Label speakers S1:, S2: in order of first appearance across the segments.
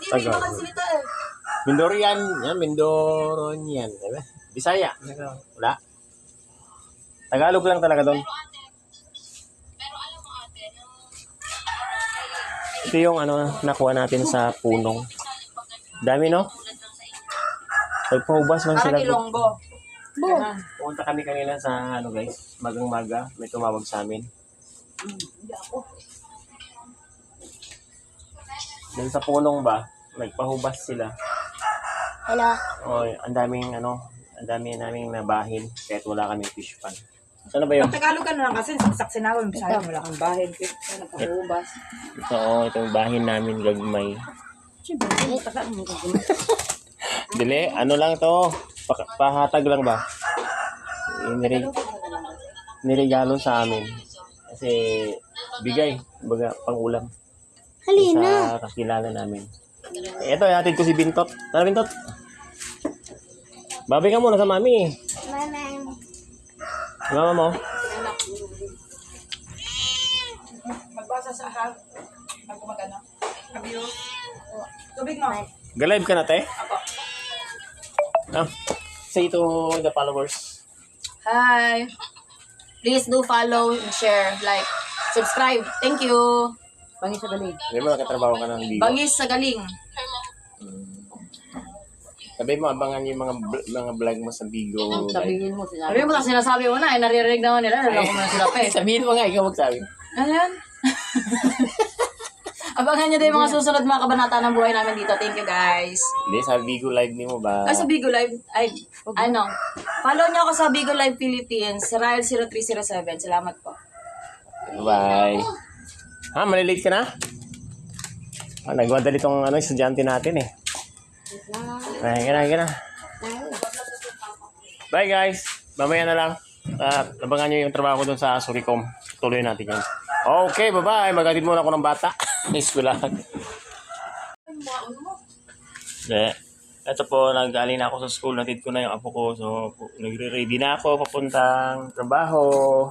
S1: may ibang salita eh.
S2: Mindorian. Yan, Mindoronian. Diba? Bisaya. Wala. Tagalog lang talaga doon. Ito yung nakuha natin sa punong. Dami, no? Pagpahubas man sila.
S1: Parang Ilonggo.
S2: Pumunta kami kanina sa guys, magang-maga. May tumawag sa amin. Doon sa punong ba, nagpahubas sila.
S3: Hello.
S2: Oh, ang daming naming nabahin kahit wala kaming fish pan. Saan ba yun?
S1: Tagalog ka na lang kasi saksak sinawin. Bisaya wala kang bahin. Napahubas.
S2: Ito, itong bahin namin gagmay. Dili, lang to. Pahatag lang ba? Niregalo sa amin. Kasi bigay, baga pang-ulam.
S3: Halina.
S2: Sa kakilala namin. Ito, hatid ko si Bintot. Tara, Bintot. Babay ka muna sa mami. Mama mo.
S1: Magbasa sa ahal. Magkumagana. Kabiyo. Tubig mo.
S2: Ga-live ka na, te?
S1: Apo.
S2: Say to the followers.
S1: Hi. Please do follow and share, like, subscribe. Thank you. Bangis sa galing.
S2: Hindi mo nakatrabaho ka ng Bigo.
S1: Bangis sa galing.
S2: Sabi mo, abangan yung mga vlog mo sa Bigo.
S1: Sabihin mo, sinasabi mo na, naririnig naman nila, alam ko na sila pa eh.
S2: Sabihin mo nga, ikaw magsabi.
S1: Ayan. Abangan nyo din yung mga susunod mga kabanata ng buhay namin dito. Thank you guys.
S2: Hindi, sa Bigo Live ni mo ba?
S1: Ay, sa Bigo Live, follow nyo ako sa Bigo Live Philippines, Rael0307. Salamat po.
S2: Bye. Ha, malilate ka na? Nagwadali itong estudyante natin eh. Ay, gana. Bye guys. Mamaya na lang. Abangan nyo yung trabaho ko dun sa Suricom. Tuloy natin yun. Okay, bye-bye. Magatid muna ako ng bata. Eskwelahan. Ito po, nagaling na ako sa school. Natid ko na yung apo ko. So, nagre-ready na ako papuntang trabaho.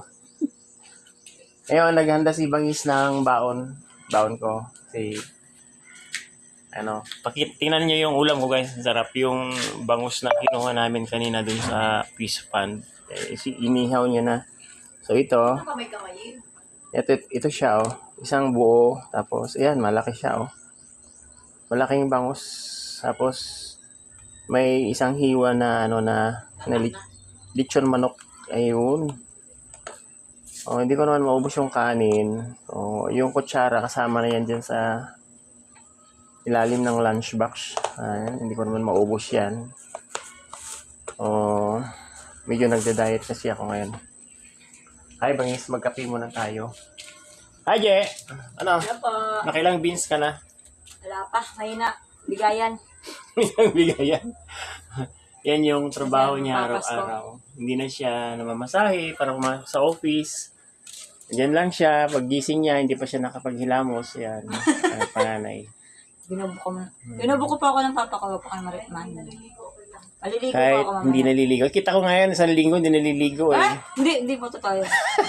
S2: Ngayon, naghanda si Bangis ng baon. Baon ko. Kasi, tingnan niyo yung ulam ko guys. Sarap yung bangus na kinuha namin kanina dun sa fish pan. Inihaw niya na. So, ito siya, isang buo. Tapos, ayan, malaki siya, malaking bangus. Tapos, may isang hiwa na, lechon manok. Ayun. Hindi ko naman maubos yung kanin. Yung kutsara, kasama na yan dyan sa ilalim ng lunchbox. Hindi ko naman maubos yan. Medyo nagda-diet kasi ako ngayon. Hi, Bangis. Magkape muna tayo. Hi, Je.
S1: Wala po.
S2: Nakailang beans ka na?
S1: Wala pa. Mahina. Bigayan.
S2: Bigayan. Yan yung trabaho niya araw-araw. Hindi na siya namamasahe para pumasok sa office. Diyan lang siya. Paggising niya, hindi pa siya nakapaghilamos. Yan. Pananay.
S1: Binubuko pa ako ng papa ko. Baka maritman. Maliligo
S2: Kahit
S1: pa ako mamaya.
S2: hindi naliligo. Kita ko ngayon, isang linggo, hindi naliligo eh.
S1: Hindi po totoo.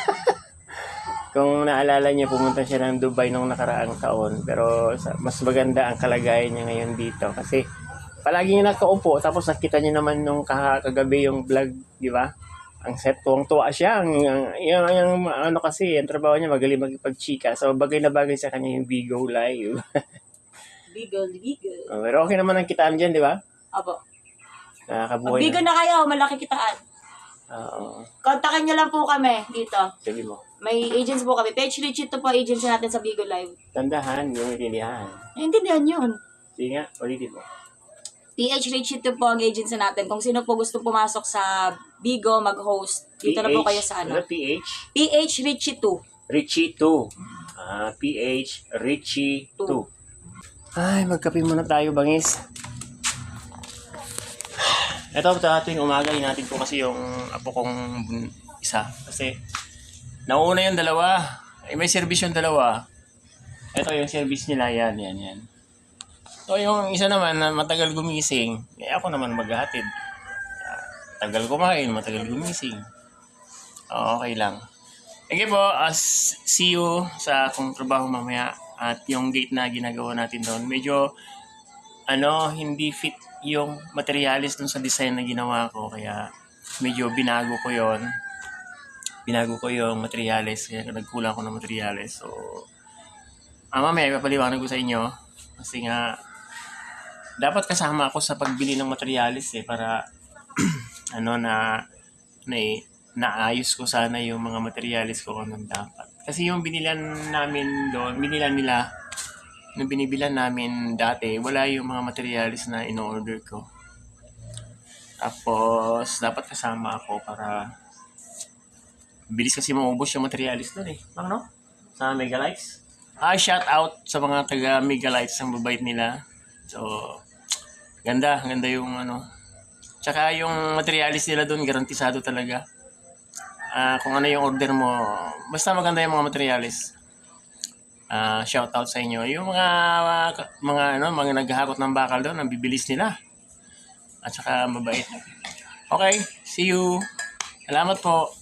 S2: Kung naalala niya, pumunta siya ng Dubai nung nakaraang taon. Pero mas maganda ang kalagayan niya ngayon dito. Kasi palagi niya nakaupo. Tapos nakita niya naman nung kagabi yung vlog, di ba? Ang set, tuwang-tuwa siya. Kasi, ang trabaho niya, magaling magpagchika. So, bagay na bagay sa kanya yung Bigo Live.
S1: Bigo.
S2: Pero okay naman ang kitaan dyan, di ba?
S1: Apo.
S2: Nakakabuhay
S1: Bigo na kayo, malaki kitaan.
S2: Oo.
S1: Kontakin niyo lang po kami dito.
S2: Sabi mo.
S1: May agents po kami. Page Richito po agency natin sa Bigo Live.
S2: Tandahan, yung intindihan.
S1: Naintindihan yun.
S2: Sige nga, ulitin mo.
S1: PH Richito po ang agency natin. Kung sino po gusto pumasok sa Bigo mag-host, dito na po kayo sa
S2: Ano PH?
S1: PH Richito.
S2: Richie 2. PH Richie 2. Ay, magkape muna tayo, Bangis. Ito, ating umaga, hinatid ko kasi yung apo kong isa. Kasi, nauna yung dalawa. May service yung dalawa. Ito yung service nila, yan. So, yung isa naman na matagal gumising, ako naman maghahatid. Tagal kumain, matagal gumising. Okay lang. Okay po, see you sa akong trabaho mamaya. At yung date na ginagawa natin doon, medyo hindi fit yung materialis dun sa design na ginawa ko. Kaya medyo binago ko yon. Binago ko yung materialis. Kaya nagkulang ko ng materialis. So, mamaya ipapaliwanag ko sa inyo. Kasi nga, dapat kasama ako sa pagbili ng materialis para naayos ko sana yung mga materialis ko kung anong dapat. Kasi yung binilan namin doon, nung binibilan namin dati, wala yung mga materialis na in-order ko. Tapos, dapat kasama ako para bilis kasi maubos yung materialis doon no? Sa Megalites. Shout out sa mga taga Megalites ang babait nila. So, ganda yung Tsaka yung materialis nila doon, garantisado talaga. Kung ano yung order mo, basta maganda yung mga materialis. Shout out sa inyo. Yung mga naghahakot ng bakal doon, ang bibilis nila. At saka mabait. Okay, see you. Salamat po.